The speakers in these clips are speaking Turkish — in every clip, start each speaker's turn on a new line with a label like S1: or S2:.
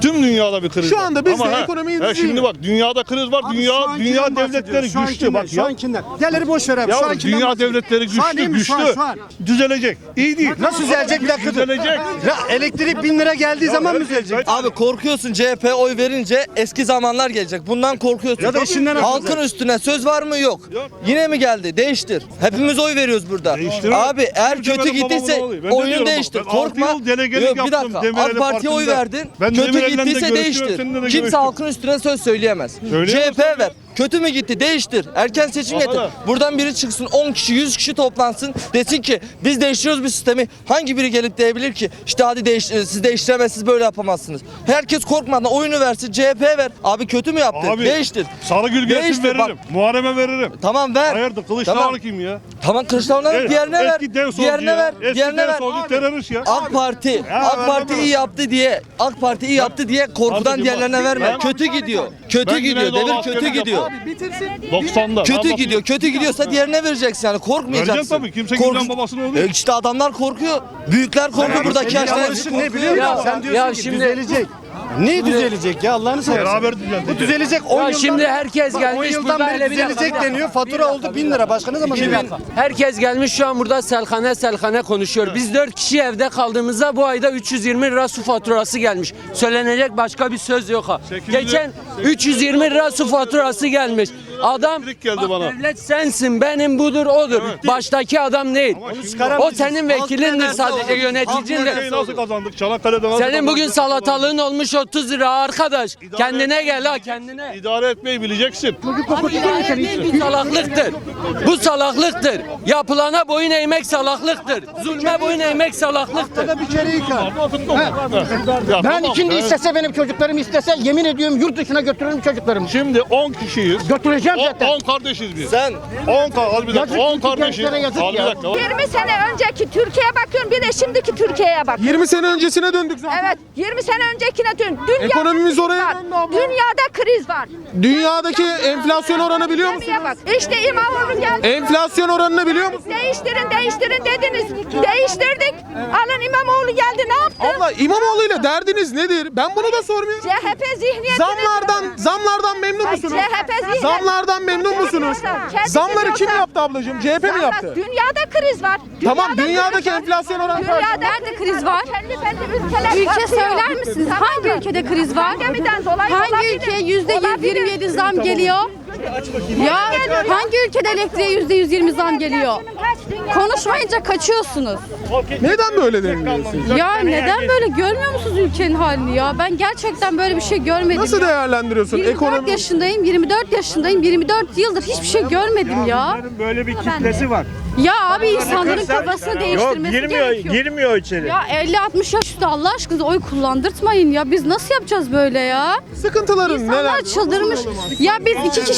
S1: Tüm dünyada bir kriz
S2: Şu
S1: var.
S2: anda biz de
S1: Ama
S2: ekonomiyi
S1: şimdi bak dünyada kriz var. Dünya devletleri güçlü bak
S3: Şu
S1: ya.
S3: ankinden. Diğerleri boş ver abi. Şu
S1: Ya
S3: ankinden
S1: dünya
S3: bahsediyor.
S1: devletleri
S3: Şu an değil
S1: güçlü,
S3: mi?
S1: güçlü.
S3: Şu an.
S1: Düzelecek. İyi değil.
S3: Nasıl düzelecek bir dakika dur.
S1: Düzelecek.
S3: Ya elektrik 1000 lira geldiği zaman mı düzelecek?
S4: Abi korkuyorsun CHP oy verince eski zamanlar gelecek. Bundan korkuyorsun.
S3: Ya da işinden
S4: Halkın üstüne söz var mı? Yok. Yine mi geldi? Değiştir. Hepimiz oy veriyoruz burada.
S1: Değiştirelim.
S4: Abi eğer
S1: Çünkü
S4: kötü
S1: benim
S4: gittiyse
S1: babamın oğluyum. Ben de
S4: oyunu
S1: diyorum
S4: değiştir.
S1: bak, ben 6
S4: Korkma.
S1: yıl delegelik
S4: Yok, bir
S1: yaptım
S4: dakika.
S1: Demirel
S4: AK Parti'ye oy
S1: Partisi'nde.
S4: verdin.
S1: Ben
S4: Kötü
S1: Demirel'le de
S4: gittiyse
S1: görüştüm,
S4: değiştir.
S1: seninle de
S4: Kimse
S1: görüştüm.
S4: halkın üstüne söz söyleyemez.
S1: Söyleyemez
S4: CHP
S1: tabii.
S4: ver. Kötü mü gitti? Değiştir. Erken seçim getir.
S1: Ama-
S4: Buradan biri çıksın 10 kişi 100 kişi toplansın. Desin ki biz değiştiriyoruz bir sistemi. Hangi biri gelip diyebilir ki işte hadi siz değiştiremezsiniz böyle yapamazsınız. Herkes korkmadan oyunu versin. CHP ver. Abi kötü mü yaptı?
S1: Abi,
S4: Değiştir.
S1: Sarıgül gelsin
S4: Değiştir, bak.
S1: veririm. Muharrem'e veririm.
S4: Tamam ver.
S1: Hayırdır Kılıçdaroğlu
S4: Tamam.
S1: kim ya?
S4: Tamam Kılıçdaroğlu'na ver. Diğerine ver.
S1: Eski dev solcu
S4: Diğerine
S1: ya.
S4: ver.
S1: Eski
S4: Diğerine
S1: dev
S4: ver.
S1: solcu terörist ya.
S4: AK Parti
S1: vermem
S4: iyi yaptı diye korkudan
S1: Kardeşim
S4: diğerlerine
S1: bak,
S4: verme.
S1: ben-
S4: Kötü gidiyor. Kötü
S1: Ben
S4: gidiyor.
S1: Güneydoğu
S4: Devir kötü
S1: askerlik
S4: gidiyor.
S1: yaptım. 90'da.
S4: Kötü gidiyor. Kötü gidiyorsa diğerine vereceksin yani. Korkmayacaksın.
S1: Vereceğim tabii. Kimse günden babasını oluyor.
S4: İşte adamlar korkuyor. Büyükler korkuyor. Buradaki
S3: Senin
S4: yaşlar
S3: yanlışın ne biliyor musun? Sen diyorsun ki düzelecek. Ne düzelecek ya Allah'ını seversen.
S1: Beraber düzeltecek.
S3: Bu düzelecek 10
S5: Ya
S3: yıldan.
S5: şimdi herkes
S3: Bak,
S5: gelmiş
S3: 10 yıldan
S5: burada,
S3: beri
S5: hele bir dakika,
S3: düzelecek
S5: bir dakika.
S3: deniyor. Fatura oldu 1000 lira. Başka ne zaman düzelecek?
S5: Herkes gelmiş şu an burada selhane konuşuyor. Biz 4 kişi evde kaldığımızda bu ayda 320 lira su faturası gelmiş. Söylenecek başka bir söz yok ha.
S1: 800
S5: Geçen 320 lira su faturası gelmiş. Adam
S1: Elektrik geldi
S5: bak,
S1: bana.
S5: devlet sensin, benim budur odur. Baştaki adam değil. O senin vekilindir sadece, yöneticindir.
S1: Ülkeyi nasıl kazandık? Çanakkale'de nasıl
S5: Senin bugün
S1: kazandık?
S5: salatalığın olmuş 30 lira arkadaş. Kendine gel ha, kendine.
S1: İdare etmeyi bileceksin.
S5: Bu salaklıktır. Bu salaklıktır. Yapılana boyun eğmek salaklıktır. Zulme boyun eğmek salaklıktır.
S6: Ben şimdi istese benim çocuklarım istese yemin ediyorum yurt dışına götürürüm çocuklarımı.
S1: Şimdi 10 kişiyiz.
S6: Götüreceğim zaten.
S1: 10 kardeşiz biz.
S4: Sen
S1: 10 bir dakika.
S6: Yazık
S1: 10
S6: çünkü
S1: kardeşiz.
S6: gençlere yazık
S1: Al bir
S6: ya.
S1: dakika.
S7: 20 sene önceki Türkiye'ye bakıyorum, bir de şimdiki Türkiye'ye bak.
S2: 20 sene öncesine döndük zaten.
S7: Evet, 20 sene öncekine dön. Dünyada
S2: Ekonomimiz
S7: kriz
S2: oraya
S7: var.
S2: döndü abla.
S7: Dünyada kriz var.
S2: Dünyadaki enflasyon oranı biliyor musunuz?
S7: Gemiye bak. İşte İmamoğlu geldi.
S2: Enflasyon oranını biliyor musunuz?
S7: Değiştirin dediniz. Değiştirdik. Alın İmamoğlu geldi, ne yaptı?
S2: Abla İmamoğlu'yla derdiniz nedir? Ben bunu da sormuyorum.
S7: CHP zihniyetini...
S2: Zamlardan memnun musunuz?
S7: CHP zihniyeti...
S2: Zamlardan memnun musunuz?
S7: Kendisi
S2: Zamları kim
S7: diyorsa-
S2: yaptı ablacığım? CHP mi yaptı?
S7: Dünyada kriz var.
S2: Tamam, dünyadaki enflasyon oranı kaç?
S7: Nerede kriz var? Kendi ülkeler
S8: Ülke
S7: batıyor.
S8: söyler misiniz?
S7: Tamam
S8: Hangi
S7: mı?
S8: ülkede kriz var?
S7: Pandemiden dolayı
S8: Hangi
S7: olabilir.
S8: ülkeye %27
S7: Olabilir.
S8: zam geliyor? Ya hangi ülkede elektriğe %120 zam geliyor? Konuşmayınca kaçıyorsunuz.
S2: Neden böyle deniliyorsunuz?
S8: Ya neden böyle, görmüyor musunuz ülkenin halini ya? Ben gerçekten böyle bir şey görmedim
S2: Nasıl
S8: ya.
S2: değerlendiriyorsun
S8: 24
S2: ekonomi?
S8: yaşındayım, 24 yaşındayım, 24 yıldır hiçbir şey görmedim ya.
S3: Böyle bir kitlesi var.
S8: Ya abi insanların kafasını değiştirmesi gerekiyor.
S3: Girmiyor içeri.
S8: Ya 50-60 yaş üstü Allah aşkına oy kullandırtmayın ya. Biz nasıl yapacağız böyle ya?
S2: Sıkıntıların
S8: İnsanlar
S2: neler?
S8: çıldırmış. Ya biz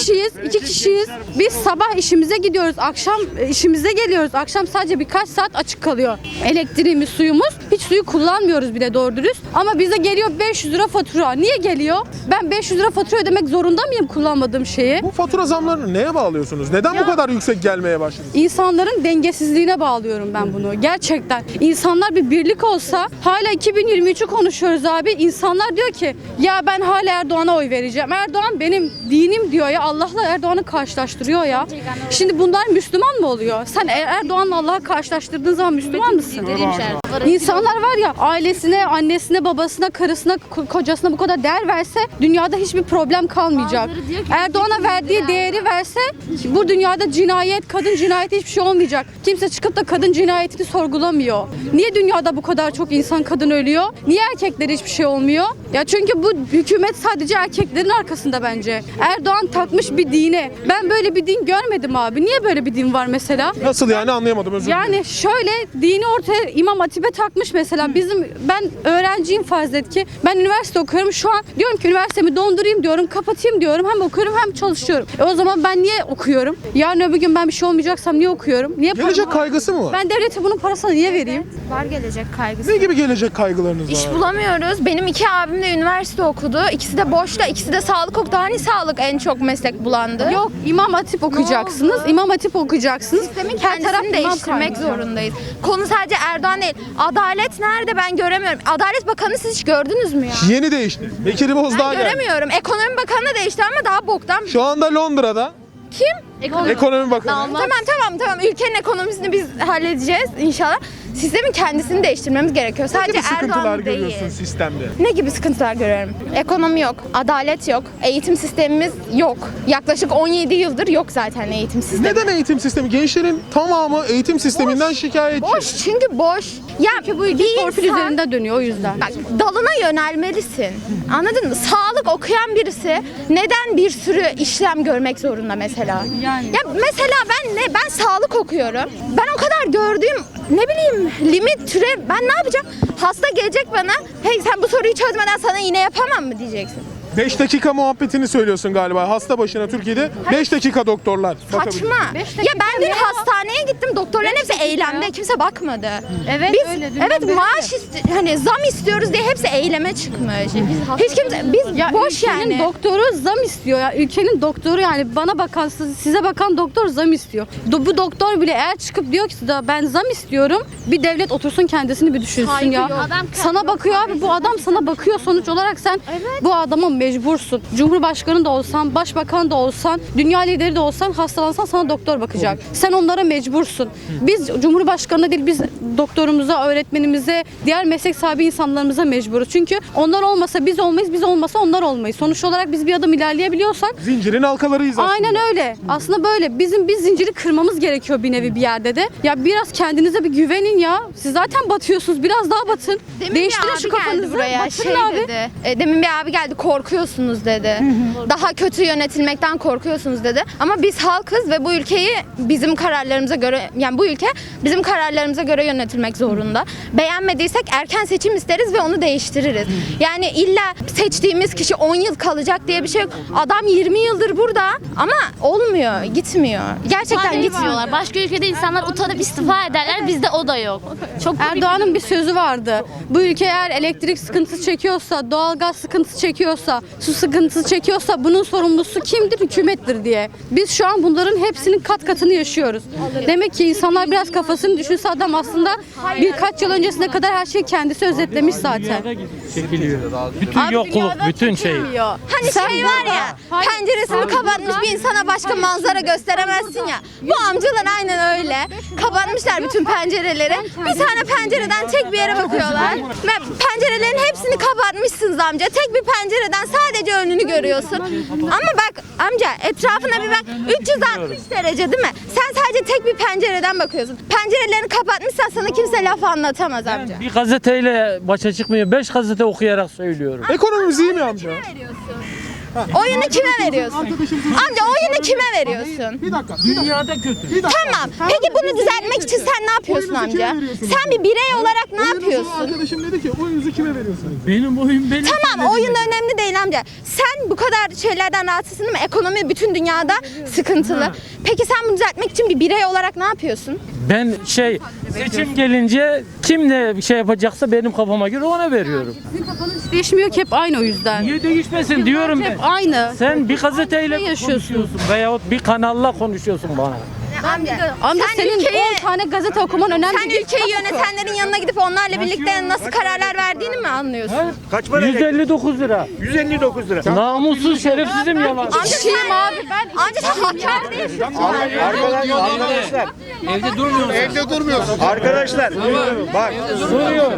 S8: iki kişiyiz. Biz sabah işimize gidiyoruz, akşam işimize geliyoruz. Akşam sadece birkaç saat açık kalıyor. Elektriğimiz, suyumuz. Hiç suyu kullanmıyoruz bile doğru dürüst. Ama bize geliyor 500 lira fatura. Niye geliyor? Ben 500 lira fatura ödemek zorunda mıyım kullanmadığım şeyi?
S2: Bu fatura zamlarını neye bağlıyorsunuz? Neden bu kadar yüksek gelmeye başladı?
S8: İnsanların dengesizliğine bağlıyorum ben bunu. Gerçekten. İnsanlar bir birlik olsa, hala 2023'ü konuşuyoruz abi. İnsanlar diyor ki ya ben hala Erdoğan'a oy vereceğim. Erdoğan benim dinim diyor ya. Allah'la Erdoğan'ı karşılaştırıyor ya. Şimdi bunlar Müslüman mı oluyor? Sen Erdoğan'la Allah'ı karşılaştırdığın zaman Müslüman mısın? İnsanlar var ya, ailesine, annesine, babasına, karısına, kocasına bu kadar değer verse dünyada hiçbir problem kalmayacak. Erdoğan'a verdiği değeri verse bu dünyada cinayet, kadın cinayeti hiçbir şey olmayacak. Kimse çıkıp da kadın cinayetini sorgulamıyor. Niye dünyada bu kadar çok insan, kadın ölüyor? Niye erkeklere hiçbir şey olmuyor? Ya çünkü bu hükümet sadece erkeklerin arkasında bence. Erdoğan takmış bir dine. Ben böyle bir din görmedim abi. Niye böyle bir din var mesela?
S2: Nasıl yani, anlayamadım, özür dilerim.
S8: Yani şöyle, dini ortaya İmam Hatip'e takmış mesela. Ben öğrenciyim farz et ki. Ben üniversite okuyorum. Şu an diyorum ki üniversitemi dondurayım diyorum, kapatayım diyorum. Hem okuyorum hem çalışıyorum. O zaman ben niye okuyorum? Yarın öbür gün ben bir şey olmayacaksam niye okuyorum? Niye
S2: Gelecek
S8: paramı-
S2: kaygısı mı var?
S8: Ben devlete bunun parasını niye vereyim?
S9: Var gelecek kaygısı.
S2: Ne gibi gelecek kaygılarınız
S9: İş
S2: var?
S9: bulamıyoruz. Benim 2 abim de üniversite okudu. İkisi de boşta, ikisi de sağlık okudu. Hani sağlık en çok meslek bulandı?
S8: Yok, İmam Hatip okuyacaksınız. İmam Hatip okuyacaksınız.
S9: Sistemin
S8: Her taraf
S9: kendisini
S8: imam
S9: değiştirmek
S8: kaynıyor.
S9: zorundayız. Konu sadece Erdoğan değil. Adalet nerede ben göremiyorum. Adalet Bakanı siz hiç gördünüz mü ya?
S2: Yeni değişti. Bekir Bozdağ
S9: Ben
S2: geldi.
S9: göremiyorum. Ekonomi Bakanı da değişti ama daha boktan.
S2: Şu anda Londra'da
S9: Kim?
S2: ekonomi bakanı.
S9: Tamam. Ülkenin ekonomisini biz halledeceğiz inşallah. Sistemin kendisini değiştirmemiz gerekiyor.
S2: Ne
S9: Sadece
S2: gibi sıkıntılar
S9: Erdoğan
S2: görüyorsun
S9: değil.
S2: sistemde?
S9: Ne gibi sıkıntılar görüyorum? Ekonomi yok, adalet yok, eğitim sistemimiz yok. Yaklaşık 17 yıldır yok zaten eğitim sistemi.
S2: Neden eğitim sistemi? Gençlerin tamamı eğitim sisteminden şikayetçi.
S9: Boş, çünkü boş. Ya
S8: Bu ülke torpil üzerinde dönüyor o yüzden.
S9: Bak, dalına yönelmelisin. Anladın mı? Sağlık okuyan birisi neden bir sürü işlem görmek zorunda mesela? Ya mesela ben sağlık okuyorum. Ben o kadar gördüğüm ne bileyim limit türev ben ne yapacağım? Hasta gelecek bana. Hey sen bu soruyu çözmeden sana iğne yapamam mı diyeceksin.
S2: 5 dakika muhabbetini söylüyorsun galiba. Hasta başına Türkiye'de 5 dakika doktorlar.
S9: Saçma. Ya ben dün hastaneye gittim. Doktorların hepsi eylemde. Kimse bakmadı.
S8: Evet,
S9: Biz
S8: öyle. Dünden
S9: evet
S8: beri
S9: maaş hani zam istiyoruz diye hepsi eyleme çıkmış. Hiç kimse biz
S8: Ya
S9: boş
S8: ülkenin
S9: yani.
S8: doktoru zam istiyor ya. Ülkenin doktoru yani bana bakan size bakan doktor zam istiyor. Bu doktor bile eğer çıkıp diyor ki ben zam istiyorum. Bir devlet otursun kendisini bir düşünsün ya. Sana bakıyor abi bu adam sana bakıyor sonuç olarak sen bu adama mecbursun. Cumhurbaşkanı da olsan, başbakan da olsan, dünya lideri de olsan hastalansan sana doktor bakacak. Sen onlara mecbursun. Biz Cumhurbaşkanı değil biz doktorumuza, öğretmenimize, diğer meslek sahibi insanlarımıza mecburuz. Çünkü onlar olmasa biz olmayız, biz olmasa onlar olmayız. Sonuç olarak biz bir adım ilerleyebiliyorsak
S2: Zincirin halkalarıyız aslında.
S8: aynen öyle. Aslında böyle. Biz zinciri kırmamız gerekiyor bir nevi bir yerde de. Ya biraz kendinize bir güvenin ya. Siz zaten batıyorsunuz. Biraz daha batın.
S9: Demin
S8: Değiştirin
S9: bir
S8: şu
S9: abi geldi
S8: kafanızı.
S9: buraya
S8: Batırın abi.
S9: dedi. Demin bir abi geldi korkuyorsunuz dedi. Daha kötü yönetilmekten korkuyorsunuz dedi. Ama biz halkız ve bu ülkeyi bizim kararlarımıza göre yani bu ülke bizim kararlarımıza göre yönetilmek zorunda. Beğenmediysek erken seçim isteriz ve onu değiştiririz. Yani illa seçtiğimiz kişi 10 yıl kalacak diye bir şey yok. Adam 20 yıldır burada ama olmuyor, gitmiyor. Gerçekten gitmiyorlar.
S10: Başka ülkede insanlar utanıp istifa ederler. Bizde o da yok. Çok
S8: Erdoğan'ın bir sözü vardı. Bu ülke eğer elektrik sıkıntısı çekiyorsa, doğalgaz sıkıntısı çekiyorsa, su sıkıntısı çekiyorsa bunun sorumlusu kimdir? Hükümettir diye. Biz şu an bunların hepsinin kat katını yaşıyoruz. Demek ki insanlar biraz kafasını düşünse adam aslında birkaç yıl öncesine kadar her şeyi kendisi özetlemiş zaten.
S5: Bütün yokluk, bütün şey.
S9: Hani şey var ya, penceresini kapatmış bir insana başka manzara gösteremezsin ya. Bu amcalar aynen öyle. Kapatmışlar bütün pencereleri. Bir tane pencereden tek bir yere bakıyorlar. Ve pencerelerin hepsini kapatmışsınız amca. Tek bir pencereden sadece önünü görüyorsun. Ama bak amca etrafına bir bak. 360 derece değil mi? Sen sadece tek bir pencereden bakıyorsun. Pencerelerini kapatmışsan sana kimse laf anlatamaz amca.
S5: Bir gazeteyle başa çıkmıyor. 5 gazete okuyarak söylüyorum.
S2: Ekonomimiz iyi mi amca?
S9: Oyunu kime veriyorsun? Amca oyunu kime veriyorsun?
S2: Bir dakika.
S5: Dünyada kötü.
S9: Tamam. Peki bunu düzeltmek için sen ne yapıyorsun
S2: Oyunuzu kime
S9: amca?
S2: veriyorsunuz?
S9: Sen bir birey olarak ne
S2: Oyunuzu
S9: yapıyorsun?
S2: arkadaşım dedi ki oyunuzu kime veriyorsunuz?
S5: Benim oyun benim.
S9: Tamam oyun önemli değil amca. Sen bu kadar şeylerden rahatsızsın değil mi? Ekonomi bütün dünyada sıkıntılı. Peki sen bunu düzeltmek için bir birey olarak ne yapıyorsun?
S5: Ben seçim gelince kim ne bir şey yapacaksa benim kafama göre ona veriyorum.
S8: Sizin kafanız değişmiyor ki hep aynı o yüzden.
S5: Niye değişmesin diyorum ben.
S8: Hep aynı.
S5: Sen bir gazeteyle
S8: Ne yaşıyorsun?
S5: konuşuyorsun veyahut bir kanalla konuşuyorsun bana.
S8: Amca
S9: Sen
S8: senin
S9: ülkeyi-
S8: 10 tane gazete okuman önemli
S9: Sen
S8: değil.
S9: ülkeyi yönetenlerin yanına gidip onlarla birlikte nasıl kararlar verdiğini mi anlıyorsun?
S3: Kaç para?
S5: 159 lira.
S3: 159 lira.
S5: Namussuz şerefsizim yalan.
S9: Amca sen
S8: abi ben
S9: amca sen hakkar değilsin.
S3: Arkadaşlar.
S5: Evde durmuyorsun.
S1: Evde durmuyorsun.
S3: Arkadaşlar. Bak.
S5: Duruyor.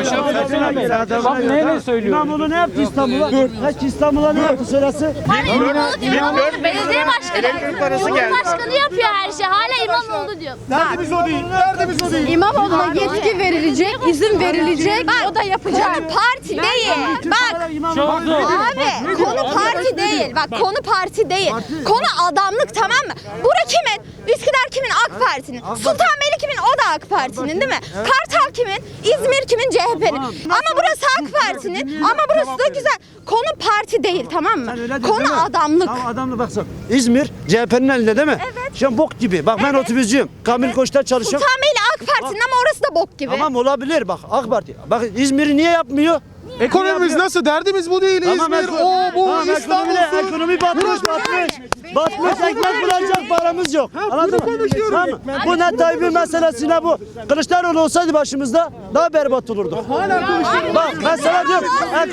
S5: Bak neyle söylüyor?
S3: İmamoğlu ne yaptı İstanbul'a? Kaç İstanbul'a ne yaptı sırası?
S10: belediye başkanı.
S3: Elektrik parası geldi.
S10: Cumhurbaşkanı yapıyor her şey. Hala İmamoğlu diyor.
S2: Derdimiz o değil. Derdimiz o değil.
S8: İmamoğlu'na yetki verilecek, izin verilecek, o da yapacak.
S9: Konu parti değil. Bak
S5: Çok zor.
S9: abi konu parti değil. Bak konu parti değil. Konu adamlık tamam mı? Bura kimin? Üsküdar kimin? AK Parti'nin. Sultanbeyli kimin? O da AK Parti'nin değil mi? Kartal kimin? İzmir kimin? CHP'nin. Ama burası AK Parti'nin. Ama burası da güzel. Konu parti değil tamam mı? Konu adamlık.
S3: Tamam adamla baksana. İzmir CHP'nin elinde değil mi?
S9: Evet.
S3: Şu an bok gibi. Bak ben otobüscüyüm. Kamil Koç'ta çalışıyorum.
S9: Sultanbeyli AK Parti'nin ama orası da bok gibi.
S3: Tamam olabilir bak AK Parti. Bak İzmir'i niye yapmıyor?
S2: Ekonomimiz nasıl? Derdimiz bu değil. İzmir, o, bu, İstanbul.
S3: Ekonomi batmış. Batmış, ekmek bulacak paramız yok. Anladın mı?
S2: konuşuyorum.
S3: Tamam. Bu ne Tayyip'in meselesine bu. Kılıçdaroğlu olsaydı başımızda daha berbat olurdu. Bak ben sana diyorum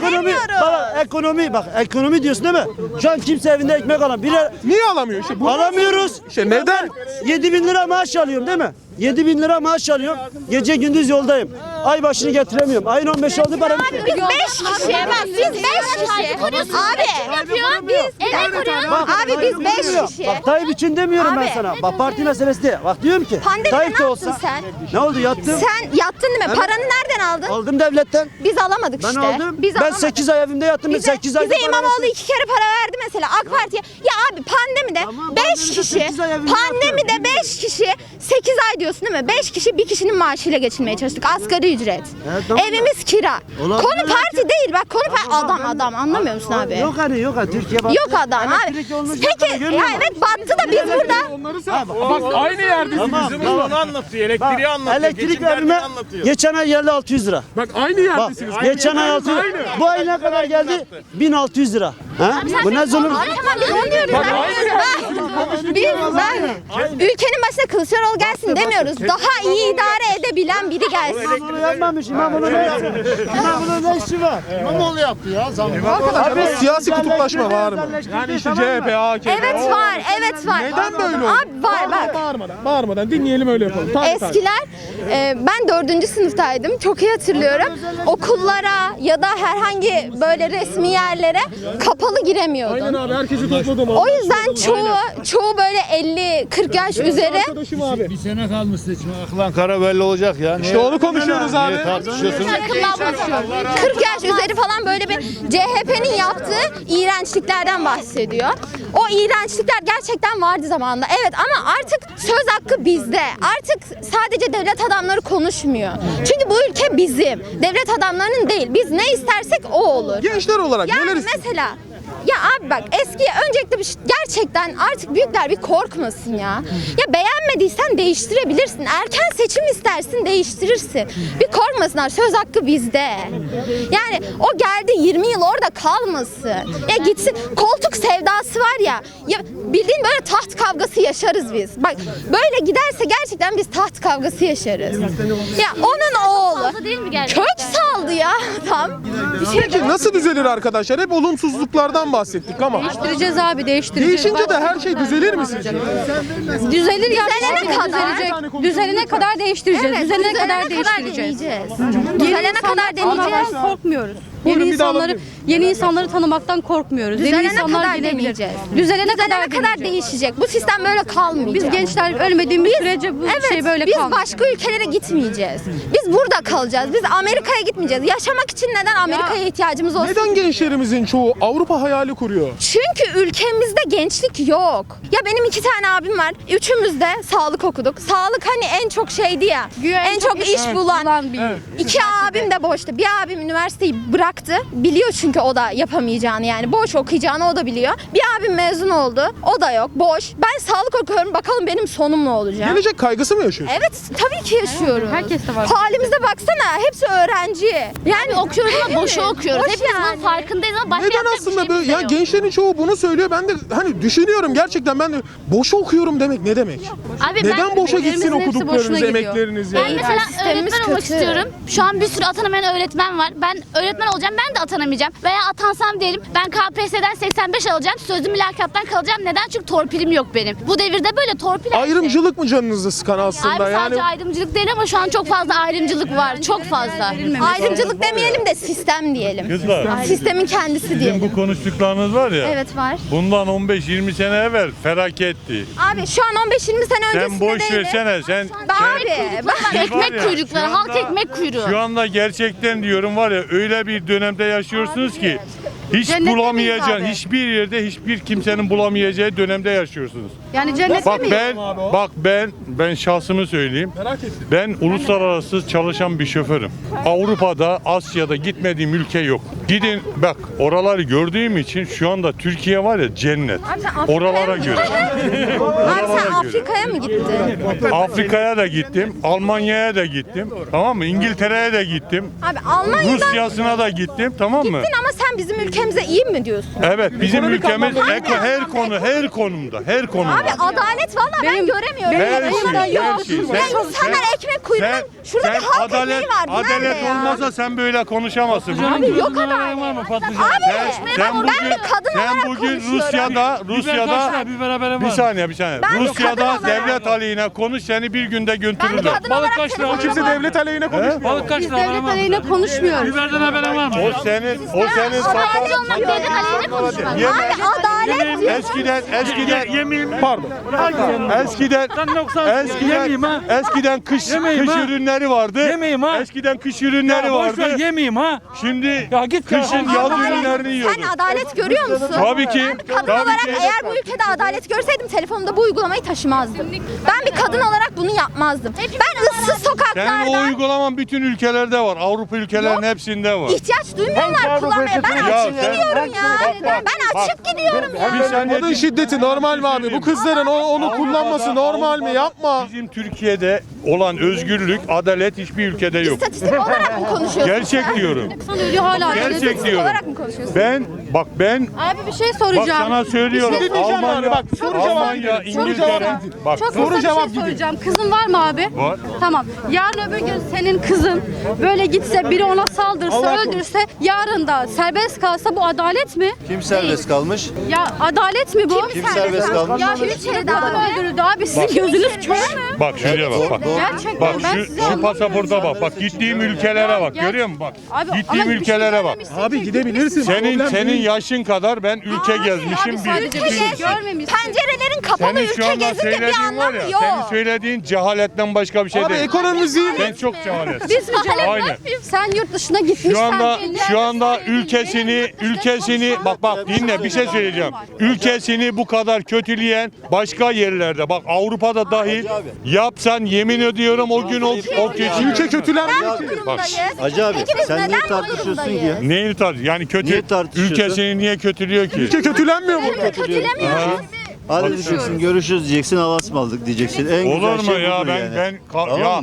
S3: ekonomi diyorsun değil mi? Şu an kimse evinde ekmek alamıyor.
S2: Niye alamıyor? İşte bu
S3: Alamıyoruz.
S2: İşte neden?
S3: 7.000 lira maaş alıyorum değil mi? 7.000 lira maaş alıyorum. Gece gündüz yoldayım. Ay başını getiremiyorum. Ayın 15 oldu param.
S9: Biz 5 kişi. Bak biz 5 kişi. Abi.
S10: Yapıyor. Biz emek kuruyoruz.
S9: Abi biz 5 kişi.
S3: Bak Tayyip için demiyorum ben
S9: Abi.
S3: sana. Bak parti meselesi değil. Bak diyorum ki
S9: Pandemide
S3: Tayyip
S9: ne
S3: de
S9: yaptın
S3: olsa.
S9: sen?
S3: Ne oldu yattım?
S9: Sen yattın değil mi?
S3: Evet.
S9: Paranı nereden aldın?
S3: Aldım devletten.
S9: Biz alamadık
S3: Ben
S9: işte.
S3: aldım.
S9: Biz
S3: Ben
S9: alamadık.
S3: 8 ay evimde yattım.
S9: Bize,
S3: 8 ay.
S9: bize İmamoğlu 2 kere para verdi mesela AK Parti'ye. Ya abi pandemide
S3: Tamam,
S9: 5
S3: pandemide
S9: kişi,
S3: 8 ay evinde
S9: pandemide 5 kişi 8 ay diyorsun değil mi? 5 kişi bir kişinin maaşıyla geçinmeye çalıştık. Asgari ücret.
S3: tamam.
S9: Evimiz kira.
S3: Olabilir.
S9: Konu parti değil bak konu adam anlamıyor musun abi?
S3: Yok hani Türkiye bak.
S9: Yok adam abi.
S3: Elektrik olmuş
S9: Peki
S3: görmüyor
S9: ya
S3: musun?
S9: evet battı da biz burada.
S2: Onları sen. Bak aynı yerdeyiz.
S1: Onu anlatıyor. Elektriği anlatıyor.
S3: Elektrik
S1: geçim derdini
S3: verme
S1: anlatıyor.
S3: geçen ay geldi 600 lira.
S2: Bak aynı
S3: Bak
S2: yerdesiniz.
S3: geçen ay 600 lira. Bu ay ne kadar geldi? 1600 lira. Ha? Bu ne zulüm?
S9: Abi tamam biz onu diyoruz. Ülkenin başına Kılıçdaroğlu gelsin demiyoruz. Daha iyi idare edebilen biri gelsin.
S3: İmamoğlu yapmamış. İmamoğlu ne yapıyor? İmamoğlu ne işi var?
S1: İmamoğlu yaptı ya zam.
S2: Abi siyasi kutuplaşma var mı? Yani işte CHP, AKP.
S9: Evet var, evet var.
S2: Neden böyle oldu?
S9: Abi var bak.
S2: Bağırmadan dinleyelim öyle yapalım.
S9: Eskiler ben 4. sınıftaydım çok iyi hatırlıyorum. Okullara ya da herhangi böyle resmi yerlere kapalı giremiyordun.
S2: Aynen abi herkesi topladım.
S9: O yüzden çoğu böyle 50-40 yaş üzeri
S2: Arkadaşım abi.
S1: Sene kalmış seçime. Aklan kara belli olacak ya.
S2: İşte onu konuşuyoruz abi.
S1: Niye tartışıyorsunuz?
S9: 40 yaş üzeri falan böyle bir CHP'nin yaptığı iğrençliklerden bahsediyor. O iğrençlikler gerçekten vardı zamanında. Evet ama artık söz hakkı bizde. Artık sadece devlet adamları konuşmuyor. Çünkü bu ülke bizim. Devlet adamlarının değil. Biz ne istersek o olur.
S2: Gençler olarak
S9: Yani
S2: neler istiyorsun?
S9: mesela ya abi bak öncelikle gerçekten artık büyükler bir korkmasın ya. Ya beğenmediysen değiştirebilirsin. Erken seçim istersin değiştirirsin. Bir korkmasınlar söz hakkı bizde. Yani o geldi 20 yıl orada kalmasın. Ya gitsin koltuk sevdası var ya. Ya bildiğin böyle taht kavgası yaşarız biz. Bak böyle giderse gerçekten biz taht kavgası yaşarız. Ya onun oğlu
S10: Değil mi gerçekten?
S9: kök saldı ya tam. Bir şey
S2: Peki nasıl düzelir arkadaşlar? Hep olumsuzluklardan bahsettik ama.
S8: Değiştireceğiz abi değiştireceğiz.
S2: Değişince de her şey düzelir mi sizce?
S8: Düzelir ya.
S9: Düzelene kadar.
S8: Düzelecek. Düzelene kadar değiştireceğiz.
S9: Evet,
S8: düzelene kadar değiştireceğiz.
S9: deneyeceğiz. Düzelene kadar deneyeceğiz.
S8: Korkmuyoruz.
S2: Buyurun, bir daha alabilir
S8: Yeni insanları tanımaktan korkmuyoruz. Yeni
S9: Düzelene
S8: insanlar
S9: kadar
S8: gelebilir.
S9: deneyeceğiz.
S8: Düzelene kadar
S9: Düzelene kadar
S8: deneyeceğiz.
S9: değişecek. Bu sistem böyle kalmayacak.
S8: Biz gençler ölmediğimiz sürece bu şey böyle
S9: biz
S8: kalmayacak.
S9: başka ülkelere gitmeyeceğiz. Biz burada kalacağız. Biz Amerika'ya gitmeyeceğiz. Yaşamak için neden Amerika'ya ihtiyacımız olsun?
S2: Neden gençlerimizin çoğu Avrupa hayali kuruyor?
S9: Çünkü ülkemizde gençlik yok. Ya benim 2 tane abim var. Üçümüz de sağlık okuduk. Sağlık hani en çok şeydi ya. En çok iş bulan.
S8: bir.
S9: 2 abim de boştu. Bir abim üniversiteyi bıraktı. Biliyor çünkü o da yapamayacağını yani. Boş okuyacağını o da biliyor. Bir abim mezun oldu. O da yok. Boş. Ben sağlık okuyorum. Bakalım benim sonum ne olacak?
S2: Gelecek kaygısı mı yaşıyorsun?
S9: Evet tabii ki yaşıyorum.
S8: Herkes de var.
S9: Halimize baksana. Hepsi öğrenci. Yani
S10: Okuyoruz ama boşu okuyoruz.
S9: Boş
S10: Hepimiz
S9: yani.
S10: bunun farkındayız ama başka
S2: Neden
S10: yapacak bir
S2: aslında
S10: şeyimiz
S2: böyle
S10: de
S2: ya
S10: yok.
S2: gençlerin çoğu bunu söylüyor. Ben de hani düşünüyorum gerçekten ben de boş okuyorum demek ne demek?
S10: Abi
S2: Neden boşa gitsin
S8: Üzerimizin hepsi
S2: okuduklarınız,
S8: boşuna gidiyor.
S2: emekleriniz ya?
S10: Ben mesela
S9: sistemimiz
S10: öğretmen olmak
S9: kötü.
S10: istiyorum. Şu an bir sürü atanamayan öğretmen var. Ben öğretmen olacağım, ben de atanamayacağım. Veya atansam diyelim, ben KPSS'den 85 alacağım, sözlü mülakattan kalacağım. Neden? Çünkü torpilim yok benim. Bu devirde böyle torpil her şey.
S2: Ayrımcılık mı canınızı sıkan aslında?
S10: Abi
S2: yani
S10: sadece ayrımcılık değil ama şu an çok fazla ayrımcılık var. Çok fazla.
S9: ayrımcılık demeyelim de sistem diyelim.
S11: Kızlar,
S9: Sistemin kendisi
S11: sizin
S9: diyelim.
S11: bu konuştuklarınız var ya,
S9: Evet var.
S11: bundan 15-20 sene evvel felaketti.
S9: Abi şu an 15-20 sene öncesinde
S11: Sen boş
S9: değildi.
S11: versene, sen
S9: Abi bak
S11: Siz var
S10: Ekmek
S11: ya,
S10: kuyrukları,
S11: şu
S10: halk
S11: anda-
S10: ekmek kuyruğu.
S11: şu anda gerçekten diyorum var ya, öyle bir dönemde yaşıyorsunuz ki hiç
S8: Cennette
S11: bulamayacağın,
S8: miyiz abi?
S11: hiçbir yerde hiçbir kimsenin bulamayacağı dönemde yaşıyorsunuz.
S8: Yani cennette
S11: Bak
S8: miyiz?
S11: ben şahsımı söyleyeyim.
S2: merak ettim.
S11: Ben uluslararası çalışan bir şoförüm. Avrupa'da, Asya'da gitmediğim ülke yok. Gidin bak oraları gördüğüm için şu anda Türkiye var ya cennet. Oralara göre.
S9: Abi sen Afrika'ya mı gittin?
S11: Afrika'ya da gittim, Almanya'ya da gittim. Tamam mı? İngiltere'ye de gittim.
S9: Abi Almanya'dan
S11: Rusya'sına da gittim. Tamam mı?
S9: gittin ama sen bizim ülkemize iyi mi diyorsun?
S11: Evet, bizim
S2: Ekonomik
S11: ülkemiz
S2: anlamda
S11: her konumda, her konumda.
S9: Abi adalet valla ben göremiyorum.
S11: Her şey,
S9: yok.
S11: her şey.
S9: Ya insanlar ekmek kuyruğuna şurada bir halk ekmeği var. Bu
S11: adalet
S9: nerede ya?
S11: olmasa sen böyle konuşamazsın.
S9: Abi yok adalet. Abi ben bir kadın
S11: sen
S9: olarak
S11: bugün
S9: konuşuyorum.
S11: Rusya'da bir saniye.
S9: Ben bir
S11: Rusya'da
S9: kadın olarak-
S11: devlet aleyhine konuş seni bir günde
S9: Ben bir
S11: götürürler.
S9: kadın olarak
S2: O kimse devlet aleyhine konuşmuyor.
S8: Biz devlet aleyhine konuşmuyoruz.
S11: O senin
S10: Sadece olmak devlet aleyhine konuşmak.
S9: Abi adalet diyor.
S2: Pardon.
S11: Eskiden kış ürünleri vardı. Eskiden kış ürünleri vardı. Şimdi kışın yaz ürünlerini
S9: Sen
S11: yiyoruz.
S9: adalet görüyor musun?
S11: Tabii ki.
S9: Ben bir kadın
S11: Tabii
S9: olarak
S11: ki.
S9: eğer bu ülkede adalet görseydim telefonumda bu uygulamayı taşımazdım. Ben bir kadın olarak bunu yapmazdım. Ben ıssız
S11: Senin o
S9: sokaklarda
S11: uygulaman bütün ülkelerde var. Avrupa ülkelerinin hepsinde var.
S9: ihtiyaç duymuyorlar kullanmaya. Ben
S11: Ya
S9: açık
S11: sen-
S9: gidiyorum ya. Ben açık gidiyorum ya.
S2: Kadın şiddeti normal mi abi? Bu kızların onu kullanması normal mi? Yapma.
S11: Bizim Türkiye'de olan özgürlük, adalet hiçbir ülkede yok.
S9: İstatistik olarak mı konuşuyorsun?
S11: Gerçek diyorum.
S8: İnsan ölüyor hala.
S11: Gerçek
S9: İstatistik
S11: diyorum.
S9: olarak mı konuşuyorsun?
S11: Ben
S8: Abi bir şey
S11: bak
S8: soracağım.
S11: sana söylüyorum.
S2: Bir şey diyeceğim
S11: Almanya,
S2: yani, bak, soru cevap
S11: Almanya,
S2: gidelim. Soru
S11: İngiltere.
S2: cevap.
S11: Bak
S8: Çok
S2: soru
S8: kısa bir
S2: cevap
S8: şey
S2: gidelim.
S8: soracağım. Kızın var mı abi?
S11: Var.
S8: Tamam. Yarın öbür gün senin kızın böyle gitse biri ona saldırsa,
S2: Allah korusun.
S8: öldürse, yarın da serbest kalsa bu adalet mi?
S12: Kim serbest kalmış?
S8: Ya adalet mi bu?
S12: Kim serbest kalmış?
S8: Ya Türkiye'de adam öldürüldü abi. Sizin gözünüz kör mü?
S11: Bak şuraya bak.
S8: Gerçekten
S11: Bak
S8: ben size
S11: şu
S8: anlatmıyorum.
S11: pasaporta bak. Bak gittiğim ülkelere bak.
S8: Gel.
S11: Görüyor musun bak?
S8: Abi,
S11: Gittiğim
S8: ama bir şey
S11: ülkelere bak.
S8: görmemişsin
S2: Abi
S8: ki.
S2: gidebilirsin.
S11: Senin
S2: Problem değil.
S11: yaşın kadar ben ülke gezmişim.
S8: Abi sadece bir şey görmemişsin.
S9: Pencerelerin kapalı
S11: Senin şu
S9: ülke
S11: anda
S9: gezince bir
S11: söylediğin var
S9: anlamı
S11: ya.
S9: yok.
S11: Senin söylediğin cehaletten başka bir şey
S2: Abi
S11: değil.
S2: ekonomimiz iyi mi?
S11: Sen çok cehaletsin.
S8: Biz mi cehalet?
S11: Aynen.
S8: Sen yurt dışına gitmişsen.
S11: Şu anda ülkesini bak dinle bir şey söyleyeceğim. Ülkesini bu kadar kötüleyen başka yerlerde bak Avrupa'da dahil yapsan yemin ediyorum o gün o kötü.
S2: Ülke kötülenmiyor ki.
S9: Bu durumdayız.
S12: Hacı abi
S9: Peki biz
S12: sen niye
S9: neden bu
S12: tartışıyorsun ki
S9: durumdayız?
S12: ya?
S11: Neyi yani kötü
S12: Niye tartışıyorsun?
S11: ülkesini niye kötülüyor ki?
S2: Ülke kötülenmiyor mu?
S9: Kötülemiyoruz.
S12: Hadi diyeceksin görüşürüz diyeceksin Alasmalık diyeceksin. En
S11: Olur
S12: güzel
S11: mu
S12: şey
S11: ya
S12: budur yani. Tamam
S11: ya
S12: mı?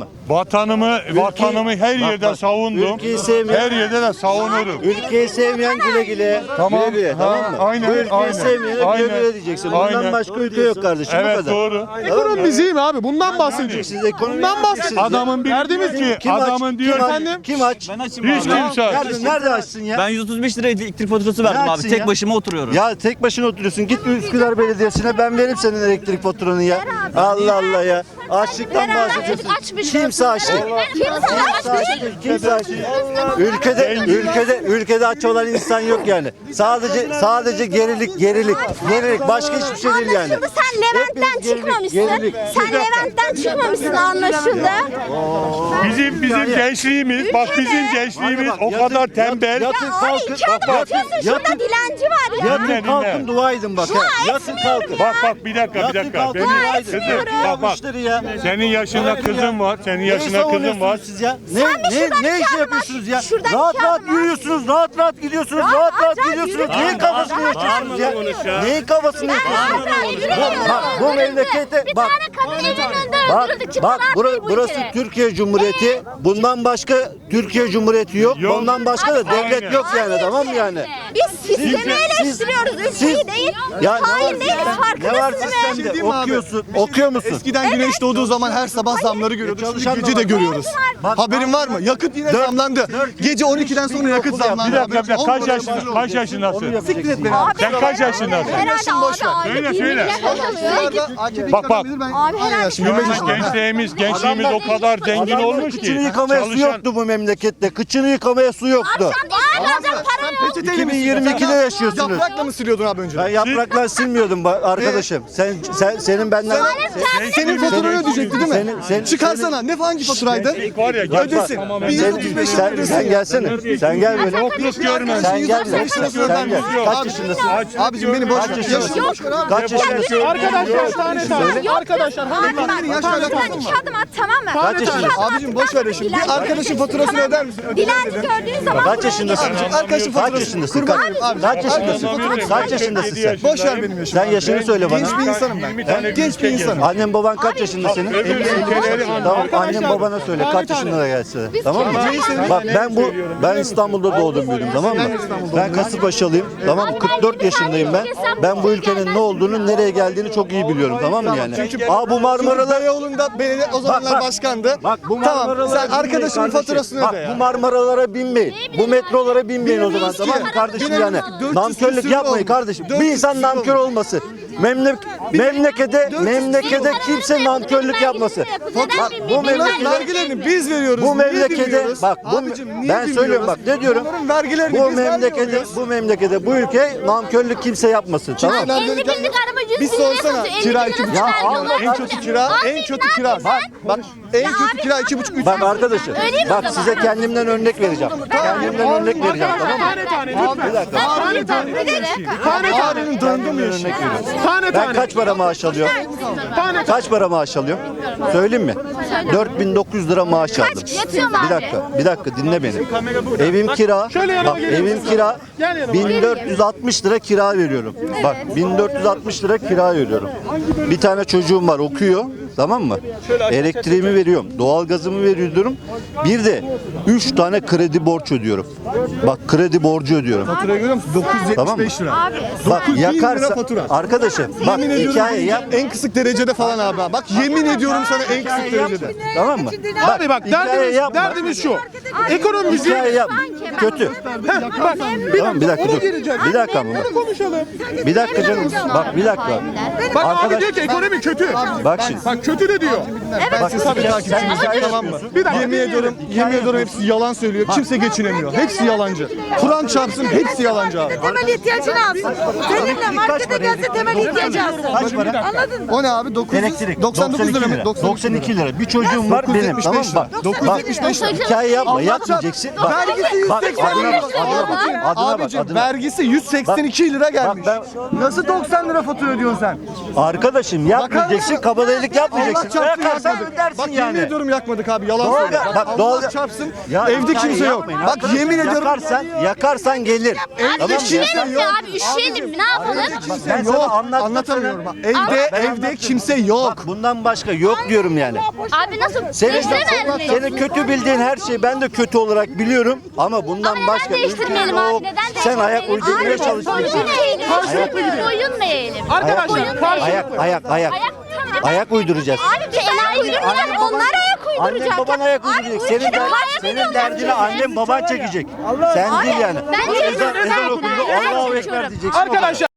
S11: vatanımı her yerde
S12: bak,
S11: savundum.
S12: ülkeyi sevmeyen-
S11: Her yerde de savunurum.
S12: Ülkeyi sevmeyen güle güle.
S11: Tamam.
S12: Güle güle, tamam mı?
S11: Aynen,
S12: Bu ülkeyi
S11: aynen.
S12: sevmeyene
S11: Aynen.
S12: güle güle diyeceksin. Bundan
S11: Aynen.
S12: başka ülke yok kardeşim. Bu
S11: Evet
S12: kadar.
S11: doğru.
S2: Ekonomimiz iyi mi abi? Bundan bahsedeceğiz.
S12: Siz ekonomi
S2: Bundan bahsedeceğiz.
S11: Adamın bir
S2: Derdimiz
S11: ki
S12: Kim aç?
S11: adamın diyor
S12: Kim aç?
S2: efendim?
S12: Kim aç?
S11: hiç kimse aç.
S12: Nerede açsın ya?
S13: Ben 135 lira elektrik faturası verdim
S12: Ne
S13: abi.
S12: açsın
S13: Tek
S12: ya?
S13: başıma oturuyorum.
S12: Ya tek başına oturuyorsun. Git Üsküdar Belediyesi'ne ben veririm senin elektrik faturanı ya. Allah Allah ya. Açlıktan bahsediyorsun. Kimse aç değil. Kimse aç değil. Ülkede aç olan insan yok yani. Sadece gerilik. Başka hiçbir şey değil yani.
S9: Anlaşıldı. Sen Levent'ten
S12: Hepimiz
S9: çıkmamışsın.
S12: gerilik.
S9: Sen Levent'ten çıkmamışsın anlaşıldı.
S11: Bizim gençliğimiz bak bizim gençliğimiz o
S12: Yatın-
S11: kadar tembel.
S12: Yatın
S9: Abi
S12: kalkın.
S9: iki adım atıyorsun şurada dilenci var ya.
S11: Dinle,
S12: Yatın kalkın
S11: dinle.
S12: dua edin bak. ha. Yatın kalkın.
S11: Bak bir dakika.
S12: Yatın kalkın
S11: Benim-
S12: dua edin.
S11: Kızım,
S12: Ya bu
S11: bak.
S12: işleri ya.
S11: Senin yaşında kızın var. Senin yaşında kızın var.
S12: Siz ya?
S9: Sen bir şuradan
S12: Ne
S9: iki
S12: iş
S9: adım
S12: yapıyorsunuz ya?
S9: at. Şuradan
S12: Rahat
S9: iki
S12: rahat
S9: adım at.
S12: yürüyorsunuz, rahat gidiyorsunuz, rahat gidiyorsunuz. Neyin kafasını yaşıyorsunuz ya? Neyin kafasını yaşıyorsunuz? Bu memlekete
S10: Bir
S12: bak.
S10: tane kadın evinin önünde öldürüldü. Kim
S12: Bak
S10: var bu
S12: burası
S10: ülkede?
S12: Türkiye Cumhuriyeti. Bundan başka Türkiye Cumhuriyeti yok.
S11: Yok.
S12: Bundan başka da devlet
S11: Aynen.
S12: yok yani tamam mı yani?
S9: Biz sistemi eleştiriyoruz, ülkeyi değil.
S12: Ya ne
S9: Hain
S12: var
S9: değiliz,
S12: ne var
S9: farkındasın mı?
S12: sistemde? Okuyorsun. Okuyor musun?
S14: Eskiden güneş doğduğu zaman her sabah zamları görüyorduk. Şimdi
S12: Çalışan
S14: gece
S12: da
S14: de
S12: var.
S14: görüyoruz.
S12: Bak,
S14: Haberin var mı? Yakıt yine zamlandı. Gece 12'den sonra yakıt zamlandı.
S11: Bir dakika
S14: Haberin-
S11: kaç
S14: 10 liraya
S11: yaşındasın?
S14: başlıyor.
S11: Kaç yaşındasın?
S14: Siktir et beni abi.
S11: Sen kaç yaşındasın?
S9: Herhalde
S14: boş ver.
S9: abi
S11: Söyle,
S9: aylık 20
S11: söyle.
S9: milyar kazanıyor.
S11: Bak.
S9: Abi herhalde
S11: Gençliğimiz o kadar zengin olmuş ki.
S12: Kıçını yıkamaya su yoktu bu memlekette. Kıçını yıkamaya su yoktu.
S14: Sen peçeteyle mi
S12: 2022'de yaşıyorsunuz.
S14: Yaprakla mı siliyordun abi önce?
S12: Ben yapraklar silmiyordum arkadaşım. Senin benden...
S14: Senin faturanı ödeyecekti değil mi? Çıkarsana. Ne hangi faturaydı?
S11: Var ya
S14: Ödesin. 1135 lira ödesin.
S12: Sen gelsene. Sen gel böyle.
S11: Yok görmem.
S12: Sen gel. Sen gel. Kaç
S14: Abi,
S12: yaşındasın?
S14: Abicim beni boş ver.
S12: Kaç
S14: Yaşını boş ver abi.
S12: Kaç yaşındasın?
S2: Arkadaşlar tane. Arkadaşlar
S9: Abi
S2: hadi
S9: bak,
S14: yaş
S9: şuradan
S14: alakası
S9: iki adım at tamam mı?
S12: Kaç yaşındasın?
S14: Abicim boş ver şimdi. Bir arkadaşın faturasını öder misin?
S9: Dilenci gördüğün zaman
S12: Kaç yaşındasın?
S14: abicim arkadaşın
S12: Kaç
S14: faturası.
S12: yaşındasın?
S14: Kurban olayım abi.
S12: Kaç yaşındasın?
S11: Anlamıyorum.
S12: Kaç yaşındasın sen?
S14: Boş ver benim yaşımı.
S12: Sen yaşını söyle bana.
S14: Genç bir insanım ben. Genç bir insanım.
S12: Annen baban kaç yaşında senin?
S11: Öbür ülkeleri
S12: Tamam, annen babana söyle kaç yaşında da gelse. Tamam mı? Bak ben İstanbul'da doğdum büyüdüm, tamam mı? Ben Kasımpaşalıyım. Tamam mı? 44 yaşındayım ben. Ben bu ülkenin ne olduğunu, nereye geldiğini çok iyi biliyorum, tamam mı yani? Bu Marmaralar
S14: Beyoğlu'nda belediye o zamanlar başkandı.
S12: Bak bu
S14: Tamam
S12: Marmaralara
S14: sen arkadaşının
S12: binmeyin
S14: faturasını
S12: kardeşim.
S14: öde
S12: Bak
S14: ya.
S12: bu Marmaralara binmeyin. Bu metrolara binmeyin o zaman, tamam mı kardeşim yani? Nankörlük yapmayın kardeşim. Bir insan nankör olması. Memlekete kimse nankörlük yapmasın. Bak bu
S14: Bunların vergilerini biz veriyoruz.
S12: bu
S14: Niye
S12: memlekede
S14: bilmiyoruz?
S12: bak
S14: Abicim, niye
S12: ben söylüyorum
S14: bilmiyoruz?
S12: bak ne diyorum?
S14: Bunların vergilerini
S12: Bu
S14: biz
S12: memlekede bu ülke nankörlük kimse yapmasın, tamam mı?
S10: 50 binlik araba 100
S14: Bir
S10: bin liraya
S14: sorsana
S10: satıyor. 50
S14: kira
S10: bin
S14: 2,5
S10: lira
S12: Ya
S10: vermiyorlar.
S12: Allah
S14: en kötü kira, en kötü kira. Bak en kötü kira 2,5-3.
S12: Bak arkadaşım,
S10: Öyle mi o
S12: bak
S10: zaman?
S12: size kendimden örnek vereceğim. Kendimden örnek vereceğim, tamam mı? Bir dakika.
S14: Ağrı'nın döndü mü
S12: Örnek veriyorum.
S2: Tane
S12: Ben
S2: tane.
S12: kaç para maaş alıyorum? Kaç para maaş alıyorum? Söyleyeyim mi? 4.900 lira maaş aldım.
S10: Yatıyor mu abi?
S12: Bir dakika dinle beni. Evim kira. Bak evim kira. 1460 lira kira veriyorum. Bak 1460 lira kira veriyorum. Bir tane çocuğum var okuyor. Tamam mı? Elektriğimi veriyorum. Doğalgazımı veriyorum. Bir de 3 tane kredi borç ödüyorum. Bak kredi borcu ödüyorum.
S14: Faturayı görüyor musun? 975 lira.
S12: Bak
S14: 9.000 lira
S12: yakarsa
S14: fatura.
S12: arkadaşım bak
S14: Yemin ediyorum
S12: hikaye yap.
S14: en kısık derecede falan abi. Bak yemin ediyorum sana en kısık derecede.
S12: Tamam mı?
S2: Abi bak derdimiz şu. Ekonomimizi
S12: Hikaye yap. Kötü.
S2: bak
S12: Tamam bir dakika dur. Bir dakika mı?
S2: bunu konuşalım.
S12: Bir dakika canım. Bak bir dakika.
S2: Bak abi
S12: Arkadaş
S2: diyor ki ekonomi kötü.
S12: bak şimdi.
S2: Bak kötü de diyor.
S12: Bak
S14: Tabii takipçimiz tamam mı?
S2: Bir dakika,
S14: Yemin ediyorum hepsi yalan söylüyor. Kimse geçinemiyor. Hepsi yalancı. Kur'an çarpsın hepsi yalancı abi.
S7: Temel ihtiyacını alsın. Seninle markete gelse temel ihtiyacı alsın.
S12: Kaç para?
S7: Anladın mı?
S14: O ne abi? 900,
S12: Elektrik.
S14: 99 lira mı?
S12: 92 lira. Bir çocuğum var benim. Tamam mı? Bak.
S14: 975 lira.
S12: Hikaye yapma. Yapmayacaksın. Bak.
S14: Vergisi
S12: Bak
S14: 180
S12: adına
S14: lira.
S12: bak. Adına bak. Adına bak.
S14: Abicim
S12: Adına.
S14: vergisi 182 lira gelmiş.
S12: Bak
S14: Nasıl 90 lira fatura ödüyorsun sen?
S12: Arkadaşım yapmayacaksın. Kabadayılık
S14: Allah
S12: yapmayacaksın.
S14: çarpsın
S12: Yakarsan
S14: yakmadık.
S12: dersin
S14: Bak
S12: yani.
S14: yemin ediyorum yakmadık abi yalan
S12: Doğru.
S14: söylüyor.
S12: Bak,
S14: Allah
S12: doğru.
S14: çarpsın
S12: Ya
S14: evde
S12: hikaye
S14: kimse yok.
S12: yapmayın
S14: Bak
S12: arkadaşım.
S14: yemin ediyorum
S12: Yakarsan gelir. Tamam mı?
S10: Üşüyelim ya abi üşüyelim ne yapalım?
S12: Ben sana
S14: yok.
S12: anlatmak
S14: Anlatamıyorum. Bak,
S12: Ben
S14: evde
S12: anlattım.
S14: kimse yok.
S12: Bak bundan başka yok diyorum yani.
S10: Abi nasıl?
S12: Senin kötü bildiğin her şeyi ben de kötü olarak biliyorum ama bundan
S10: Ama
S12: başka
S10: neden değiştirmeyelim
S12: ülke
S10: abi?
S12: yok.
S10: Neden
S12: Sen ayak
S10: değiştirmeyelim?
S12: uydurmaya
S10: Abi,
S12: çalışıyorsun.
S10: boyun mu eğelim?
S2: Arkadaşlar
S12: Ayak uyduracağız.
S10: Abi kenar uydurmayacağız. Onlar ayak uyduracak.
S12: Annen baban ayak uyduracak. Senin derdini annen baban çekecek. Sen değil yani.
S10: Ben
S12: Ezan okundu. Allahu Ekber diyeceksin.
S2: Arkadaşlar